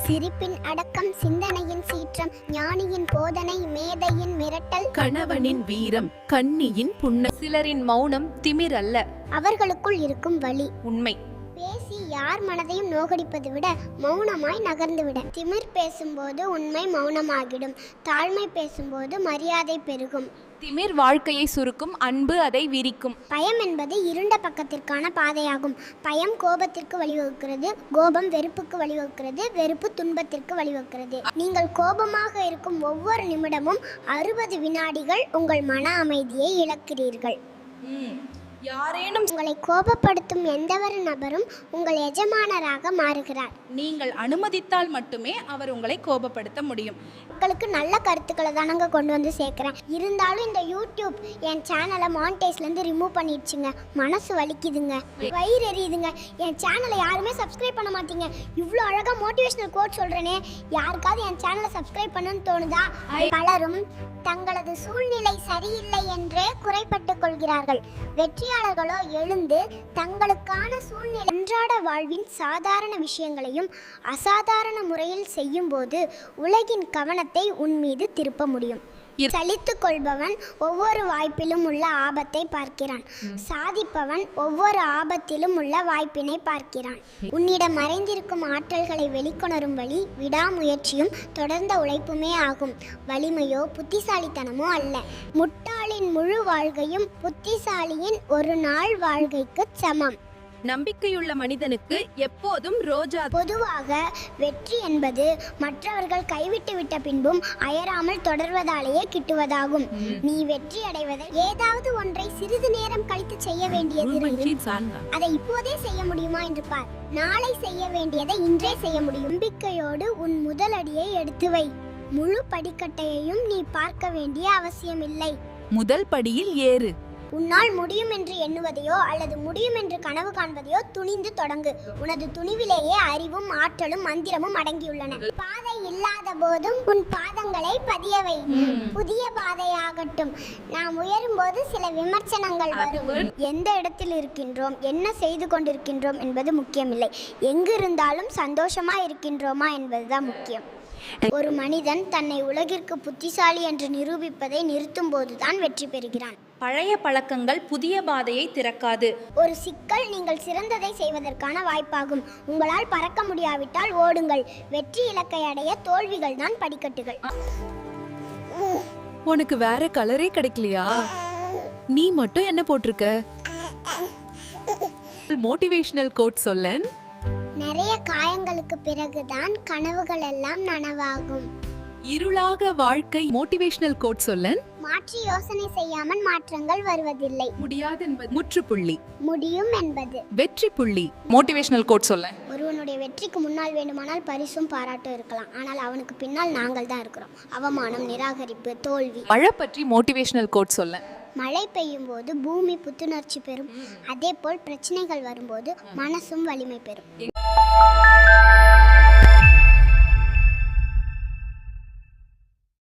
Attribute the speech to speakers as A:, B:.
A: சிரிப்பின் அடக்கம், சிந்தனையின் சீற்றம், ஞானியின் போதனை, மேதையின் மிரட்டல்,
B: கணவனின் வீரம், கன்னியின் புன்ன.
C: சிலரின் மௌனம் திமிர் அல்ல,
A: அவர்களுக்குள் இருக்கும் வலி.
C: உண்மை.
A: பேசி யார் மனதையும் நோகடிப்பதை விட மௌனமாய் நகர்ந்துவிட. திமிர் பேசும்போது உண்மை மௌனமாகிடும், தாழ்மை பேசும்போது மரியாதை பெருகும்.
C: திமிர் வாழ்க்கையை சுருக்கும், அன்பு அதை விரிக்கும்.
A: பயம் என்பது இருண்ட பக்கத்திற்கான பாதையாகும். பயம் கோபத்திற்கு வழிவகுக்கிறது, கோபம் வெறுப்புக்கு வழிவகுக்கிறது, வெறுப்பு துன்பத்திற்கு வழிவகுக்கிறது. நீங்கள் கோபமாக இருக்கும் ஒவ்வொரு நிமிடமும் 60 வினாடிகள் உங்கள் மன அமைதியை இழக்கிறீர்கள்.
C: யாரேனும்
A: உங்களை கோபப்படுத்தும் எந்தவொரு நபரும் உங்கள் எஜமானராக மாறுகிறார்.
C: நீங்கள் அனுமதித்தால் மட்டுமே அவர் உங்களை கோபப்படுத்த முடியும்.
A: மக்களுக்கு நல்ல கருத்துக்களை தானங்க கொண்டு வந்து சேர்க்குறேன். இருந்தாலும் இந்த யூடியூப் என் சேனலை மானிட்டைஸ்லேருந்து ரிமூவ் பண்ணிடுச்சுங்க. மனசு வலிக்குதுங்க, வயிறு எரியுதுங்க. என் சேனலை யாருமே சப்ஸ்கிரைப் பண்ண மாட்டீங்க. இவ்வளோ அழகாக மோட்டிவேஷனல் கோட் சொல்கிறேனே, யாருக்காவது என் சேனலை சப்ஸ்கிரைப் பண்ணணும்னு தோணுதா? பலரும் தங்களது சூழ்நிலை சரியில்லை என்றே குறைப்பட்டுக் கொள்கிறார்கள். வெற்றியாளர்களோ எழுந்து தங்களுக்கான சூழ்நிலை அன்றாட வாழ்வின் சாதாரண விஷயங்களையும் அசாதாரண முறையில் செய்யும் போது உலகின் கவனத்தை உன் மீது திருப்ப முடியும். சலித்துக் கொள்பவன் ஒவ்வொரு வாய்ப்பிலும் உள்ள ஆபத்தை பார்க்கிறான். சாதிப்பவன் ஒவ்வொரு ஆபத்திலும் உள்ள வாய்ப்பினை பார்க்கிறான். உன்னிடம் மறைந்திருக்கும் ஆற்றல்களை வெளிக்கொணரும் வழி விடாமுயற்சியும் தொடர்ந்த உழைப்புமே ஆகும். வலிமையோ புத்திசாலித்தனமோ அல்ல. முட்டாளின் முழு வாழ்க்கையும் புத்திசாலியின் ஒரு நாள் வாழ்க்கைக்கு சமம்.
B: நம்பிக்கையுள்ள மனிதனுக்கு எப்போதும் ரோஜா.
A: பொதுவாக வெற்றி என்பது மற்றவர்கள் கைவிட்டு விட்ட பின்பும் அயராமல் தொடர்வதாலேயே கிட்டுவதாகும். நீ வெற்றி அடைவதை ஏதாவது ஒன்றை சிறிது நேரம் கழித்து செய்ய வேண்டியது அதை இப்போதே செய்ய முடியுமா என்று பார். நாளை செய்ய வேண்டியதை இன்றே செய்ய முடியும். நம்பிக்கையோடு உன் முதல் அடியை எடுத்து வை. முழு படிக்கட்டையையும் நீ பார்க்க வேண்டிய அவசியமில்லை.
B: முதல் படியில் ஏறு.
A: உன்னால் முடியும் என்று எண்ணுவதையோ அல்லது முடியும் என்று கனவு காண்பதையோ துணிந்து தொடங்கு. உனது துணிவிலேயே அறிவும் ஆற்றலும் மந்திரமும் அடங்கியுள்ளன. பாதை இல்லாத போதும் உன் பாதங்களை பதியவை. புதிய பாதையாகட்டும். நாம் உயரும் போது சில விமர்சனங்கள் வரும். எந்த இடத்தில் இருக்கின்றோம், என்ன செய்து கொண்டிருக்கின்றோம் என்பது முக்கியமில்லை. எங்கு இருந்தாலும் சந்தோஷமா இருக்கின்றோமா என்பதுதான் முக்கியம். ஒரு மனிதன் தன்னை உலகிற்கு புத்திசாலி என்று நிரூபிப்பதை நிறுத்தும் போதுதான் வெற்றி பெறுகிறான்.
C: பழைய பழக்கங்கள் புதிய பாதையை திறக்காது.
A: ஒரு சிக்கல் நீங்கள் சிறந்ததை செய்வதற்கான வாய்ப்பாகும். உங்களால் பறக்க முடியாவிட்டால் ஓடுங்கள். வெற்றி இலக்கை அடைய தோல்விகள் தான் படிக்கட்டுகள்.
B: உனக்கு வேற கலரே கிடைக்கலையா? நீ மட்டும் என்ன போட்டிருக்க? மோட்டிவேஷனல் கோட் சொல்லேன்.
A: நிறைய காயங்களுக்கு பிறகுதான் கனவுகள் எல்லாம் நனவாகும்.
B: இருளாக வாழ்க்கை. மோட்டிவேஷனல் கோட் சொல்லேன்.
A: மாற்றி யோசனை செய்யாமல் மாற்றங்கள் வருவதில்லை.
B: முடியாது என்பது முற்றுப்புள்ளி,
A: முடியும் என்பது
B: வெற்றி புள்ளி.
C: மோட்டிவேஷனல் கோட் சொல்லேன்.
A: ஒருவனுடைய வெற்றிக்கு முன்னால் வேண்டுமானால் பரிசும் பாராட்டும் இருக்கலாம், ஆனால் அவனுக்கு பின்னால் நாங்கள் தான் இருக்கிறோம். அவமானம், நிராகரிப்பு, தோல்வி.
C: மழை பற்றி மோட்டிவேஷனல் கோட் சொல்லேன்.
A: மழை பெய்யும் போது பூமி புத்துணர்ச்சி பெறும். அதே போல் பிரச்சனைகள் வரும்போது மனசும் வலிமை பெறும்.